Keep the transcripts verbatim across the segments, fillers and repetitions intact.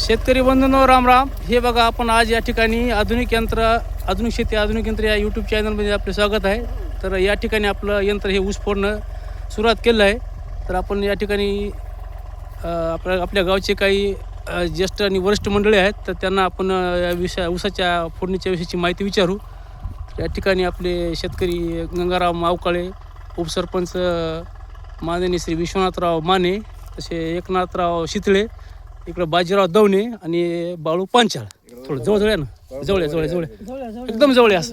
शेतकरी बंधूंनो राम राम. हे बघा, आपण आज या ठिकाणी आधुनिक यंत्र आधुनिक शेती आधुनिक यंत्र या यूट्यूब चॅनलमध्ये आपले स्वागत आहे. तर या ठिकाणी आपलं यंत्र हे ऊस फोडणं सुरुवात केलं आहे. तर आपण या ठिकाणी आपल्या आपल्या गावचे काही ज्येष्ठ आणि वरिष्ठ मंडळी आहेत, तर त्यांना आपण या विषया ऊसाच्या फोडणीच्या विषयीची माहिती विचारू. या ठिकाणी आपले शेतकरी गंगाराव मावकाळे, उपसरपंच माननीय श्री विश्वनाथराव माने, तसे एकनाथराव शितळे, इकडं बाजीराव दवणे आणि बाळू पांचाळ. थोडं जवळ जवळ आहे ना, जवळ आहे, जवळ आहे, जवळ आहे, एकदम जवळ आहे. असं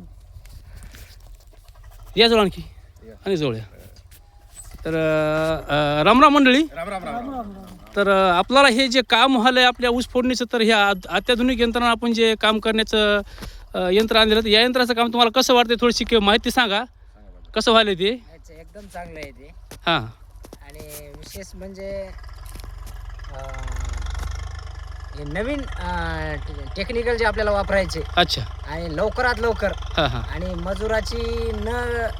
या जवळ आणखी आणि जवळ आहे. तर रामराम मंडळी. तर आपल्याला हे जे काम व्हायलं आहे आपल्या ऊस फोडणीचं, तर ह्या अत्याधुनिक यंत्रणा आपण जे काम करण्याचं यंत्र आणलेलं, या यंत्राचं काम तुम्हाला कसं वाटतं, थोडीशी माहिती सांगा. कसं व्हायलं ते? एकदम चांगलं आहे ते. हां. आणि विशेष म्हणजे हे नवीन टेक्निकल जे आपल्याला वापरायचे. अच्छा. आणि लवकरात लवकर. हां हां. आणि मजुराची न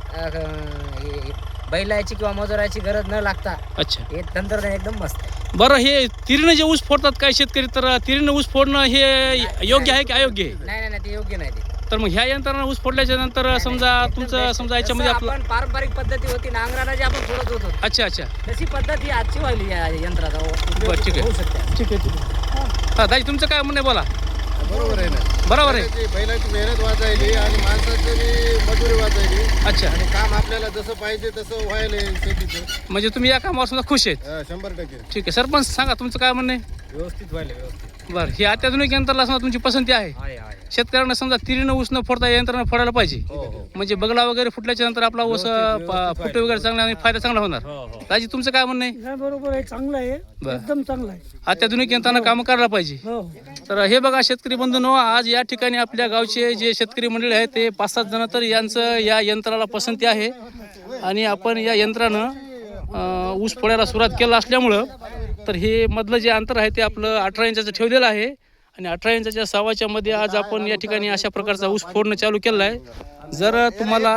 हे बैलाची किंवा मजुराची गरज न लागता. अच्छा. हे तंत्रज्ञान एकदम मस्त आहे. बरं, हे तिरीनं जे ऊस फोडतात काय शेतकरी, तर तिरीनं ऊस फोडणं हे योग्य आहे की अयोग्य आहे? नाही नाही नाही, ते योग्य नाही. ते तर मग ह्या यंत्रानं ऊस फोडल्याच्या नंतर समजा तुमचं समजा याच्यामध्ये आपलं आपण पारंपरिक पद्धती होती नांगराला जे आपण फोडत होतो, अच्छा अच्छा, तशी पद्धत ही आजची व्हायली या यंत्राचा. बरं, ठीक आहे. होऊ शकते. ठीक आहे, ठीक आहे. हां दाजी, तुमचं काय म्हणणं आहे, बोला. बरोबर आहे ना. बरोबर आहे. बैलाची मेहनत वाचायली आणि माणसाची बी मजुरी वाचायली. अच्छा. आणि काम आपल्याला जसं पाहिजे तसं व्हायलंय शेतीचं. म्हणजे तुम्ही या कामावर समजा खुश आहेत? हा, शंभर टक्के. ठीक आहे. सरपंच सांगा, तुमचं काय म्हणणं आहे? व्यवस्थित व्हायला व्यवस्थित. बरं, हे अत्याधुनिक यंत्राला समजा तुमची पसंती आहे? आहे आहे. शेतकऱ्यांना समजा तिरीनं ऊस न फोडता यंत्रानं फोडायला पाहिजे. हो हो. म्हणजे बगला वगैरे फुटल्याच्या नंतर आपला ऊस फुटे वगैरे चांगला आणि फायदा चांगला होणार. दाजी, तुमचं काय म्हणणं आहे? नाही, बरोबर आहे, चांगलं आहे, बरं. एकदम चांगलं आहे. अत्याधुनिक यंत्रानं काम करायला पाहिजे. हो. तर हे बघा शेतकरी बंधूंनो, आज या ठिकाणी आपल्या गावचे जे शेतकरी मंडळी आहेत ते पाच सात जण, तर यांचं या यंत्राला पसंती आहे. आणि आपण या यंत्रानं ऊस फोडायला सुरुवात केलं असल्यामुळं, तर हे मधलं जे अंतर आहे ते आपलं अठरा इंचाचं ठेवलेलं आहे. आणि अठरा इंचाच्या सव्वाच्या मध्ये आज आपण या ठिकाणी अशा प्रकारचा ऊस फोडणं चालू केलं आहे. जर तुम्हाला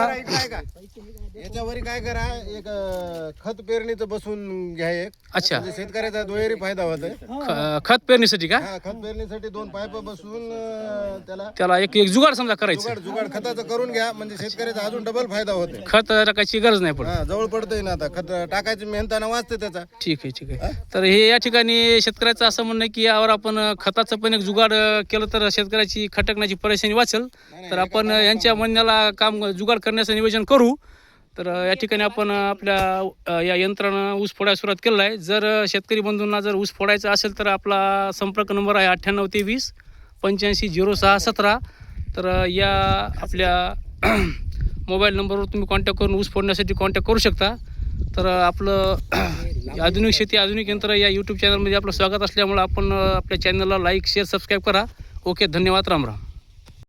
याच्यावर काय करा, एक अं, खत पेरणीचं बसून घ्या एक. अच्छा. म्हणजे शेतकऱ्याचा दुहेरी फायदा होतोय. ख- खत पेरणीसाठी का? हा, खत पेरणीसाठी दोन पाईप बसून अं, त्याला त्याला एक एक जुगाड समजा करायचं. जुगाड जुगाड खताचं करून घ्या, म्हणजे शेतकऱ्याचा अजून डबल फायदा होतोय. खत टाकायची गरज नाही पडत. हा, जवळ पडतंय ना आता. खत टाकायची मेहनताना वाचते त्याचा. ठीक आहे, ठीक आहे. तर हे या ठिकाणी शेतकऱ्याचं असं म्हणणं आहे की यावर आपण खताचं पण एक जुगाड केलं तर शेतकऱ्याची खटकण्याची परेशानी वाचेल. तर आपण यांच्या म्हणण्याला काम जुगाड करण्याचं नियोजन करू. तर या ठिकाणी आपण आपल्या या यंत्रानं ऊस फोडायला सुरुवात केलं आहे. जर शेतकरी बंधूंना जर ऊस फोडायचा असेल तर आपला संपर्क नंबर आहे अठ्ठ्याण्णव तेवीस पंच्याऐंशी झिरो सहा सतरा. तर या आपल्या मोबाईल नंबरवर तुम्ही कॉन्टॅक्ट करून ऊस फोडण्यासाठी कॉन्टॅक्ट करू शकता. तर आपलं आधुनिक शेती आधुनिक यंत्र या यूट्यूब चॅनलमध्ये आपलं स्वागत असल्यामुळं आपण आपल्या चॅनलला लाईक शेअर सबस्क्राईब करा. ओके, धन्यवाद. राम राम.